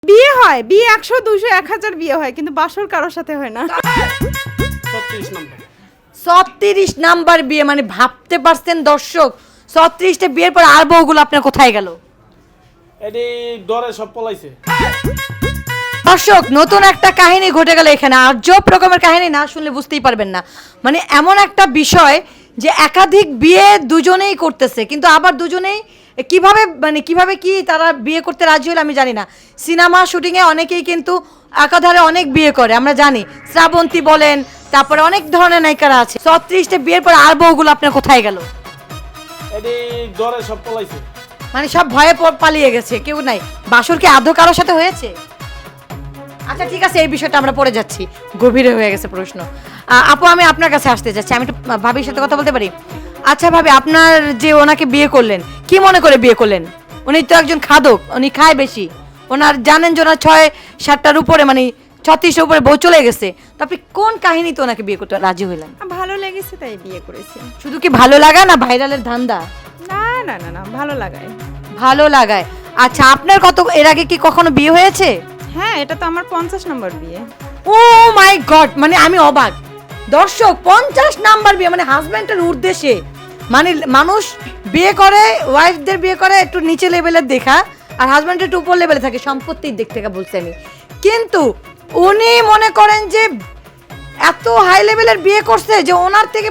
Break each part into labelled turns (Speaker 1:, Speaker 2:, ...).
Speaker 1: বিয়ে হয়, বিয়ে 100 200 1000 বিয়ে হয়, কিন্তু বাসর কারোর সাথে হয় না।
Speaker 2: 36 নাম্বার বিয়ে, মানে ভাবতে পারছেন দর্শক, 36টা বিয়ের পর আর বউগুলো আপনার কোথায় গেল?
Speaker 3: এডি ডরে সব পলাইছে।
Speaker 2: দর্শক, নতুন একটা কাহিনী ঘটে গেল এখানে। আজব রকমের কাহিনী, না শুনলে বুঝতেই পারবেন না। মানে এমন একটা বিষয় যে একাধিক বিয়ে দুজনেই করতেছে, কিন্তু আবার দুজনেই কিভাবে কি তারা বিয়ে করতে রাজি হলো আমি জানি না। সিনেমা শুটিংয়ে অনেকেই কিন্তু একাধারে অনেক বিয়ে করে, আমরা জানি। শ্রাবন্তী বলেন, তারপরে অনেক ধরনের নায়িকারা আছে। 36টা বিয়ের পর আর বউগুলো আপনার কোথায় গেল?
Speaker 3: এডি ডরে সব পলাইছে।
Speaker 2: মানে সব ভয়ে পালিয়ে গেছে, কেউ নাই। বাসর কি আদৌ কারোর সাথে হয়েছে? আচ্ছা ঠিক আছে, এই বিষয়টা আমরা পড়ে যাচ্ছি, গভীরে হয়ে গেছে প্রশ্ন। আপু, আমি আপনার কাছে আসতে যাচ্ছি, আমি একটু ভাবির সাথে কথা বলতে পারি? আচ্ছা ভাবি, আপনার যে ওনাকে বিয়ে করলেন, কি মনে করে বিয়ে করলেন? উনি তো একজন খাদক, উনি খায় বেশি। ওনার জানেন যে ওনার 6-7টার উপরে, মানে 36টার উপরে বউ চলে গেছে। তো আপনি কোন কাহিনীতে ওনাকে বিয়ে করতে রাজি হইলেন?
Speaker 1: ভালো লেগেছে তাই বিয়ে করেছি।
Speaker 2: শুধু কি ভালো লাগা, না ভাইরালের ধান্দা?
Speaker 1: না না না না, ভালো লাগায়।
Speaker 2: ভালো লাগায়। আচ্ছা, আপনার এর আগে কি কখনো বিয়ে হয়েছে?
Speaker 1: হ্যাঁ, এটা তো আমার 50 নম্বর বিয়ে।
Speaker 2: ও মাই গড, মানে আমি অবাক। দর্শক, 50 নাম্বার বিয়ে, মানে হাজব্যান্ডের উদ্দেশ্যে। মানে মানুষ বিয়ে করে, ওয়াইফদের বিয়ে করে একটু নিচে লেভেলের দেখা, আর হাজব্যান্ডের একটু উপর লেভেলে থাকে, সম্পত্তির দিক থেকে বলছি আমি। কিন্তু উনি মনে করেন যে এত হাই লেভেলের বিয়ে করছে যে ওনার থেকে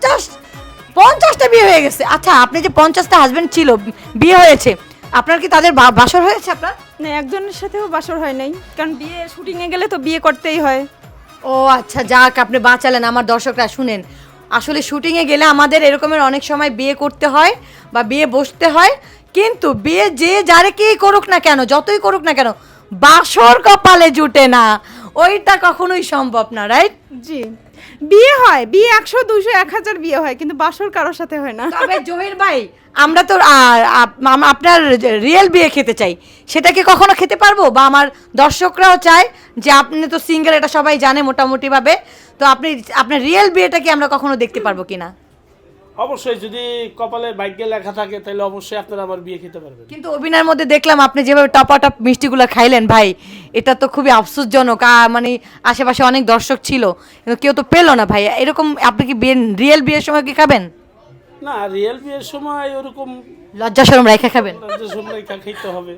Speaker 2: 50টা বিয়ে হয়ে গেছে। আচ্ছা, আপনি যে 50টা হাজব্যান্ড ছিল, বিয়ে হয়েছে, আপনার কি তাদের বাসর হয়েছে আপনার?
Speaker 1: না, একজনের সাথেও বাসর হয় নাই, কারণ বিয়ে শুটিংয়ে গেলে তো বিয়ে করতেই হয়।
Speaker 2: ও আচ্ছা, যাক, আপনি বাঁচালেন। আমার দর্শকরা শুনেন, আসলে শুটিংয়ে গেলে আমাদের এরকমের অনেক সময় বিয়ে করতে হয় বা বিয়ে বসতে হয়, কিন্তু বিয়ে যে যারে কি করুক না কেন, যতই করুক না কেন, বাসর কপালে জুটে না, ওইটা কখনোই সম্ভব না, রাইট?
Speaker 1: জি, বিয়ে হয়, বিয়ে 100 200 1000 বিয়ে হয়, কিন্তু বাসর কারোর সাথে হয় না।
Speaker 2: তবে জহির ভাই, আমরা তো আপনার রিয়েল বিয়ে খেতে চাই, সেটা কি কখনো খেতে পারবো? বা আমার দর্শকরাও চায় যে আপনি তো সিঙ্গেল, এটা সবাই জানে মোটামুটি ভাবে, তো আপনার রিয়েল বিয়েটা কি আমরা কখনো দেখতে পারবো কিনা?
Speaker 3: অবশ্যই, যদি কপালে ভাগ্যে লেখা থাকে তাহলে অবশ্যই আপনারা আমার বিয়ে খেতে পারবেন।
Speaker 2: কিন্তু অভিনয়ের মধ্যে দেখলাম আপনি যেভাবে টপাটপ মিষ্টিগুলো খাইলেন ভাই, এটা তো খুবই আফসোসজনক। মানে আশেপাশে অনেক দর্শক ছিল, কিন্তু কেউ তো পেলো না ভাই। এরকম আপনি কি রিয়েল বিয়ের সময় কি খাবেন?
Speaker 3: না, রিয়েল বিয়ের সময় ওরকম
Speaker 2: লজ্জা শরম রেখে খাবেন?
Speaker 3: রেখা খেতে হবে।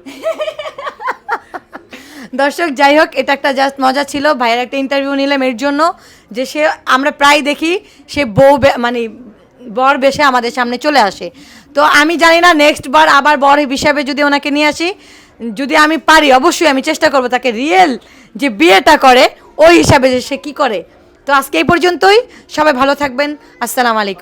Speaker 2: দর্শক, যাই হোক, এটা একটা জাস্ট মজা ছিল। ভাইয়ের একটা ইন্টারভিউ নিলাম এর জন্য, যে সে, আমরা প্রায় দেখি সে মানে বর বেশে আমাদের সামনে চলে আসে। তো আমি জানি না, নেক্সট বার আবার বর হিসাবে যদি ওনাকে নিয়ে আসি, যদি আমি পারি, অবশ্যই আমি চেষ্টা করব তাকে রিয়েল যে বিয়েটা করে ওই হিসাবে যে সে কী করে। তো আজকে এই পর্যন্তই, সবাই ভালো থাকবেন। আসসালামু আলাইকুম।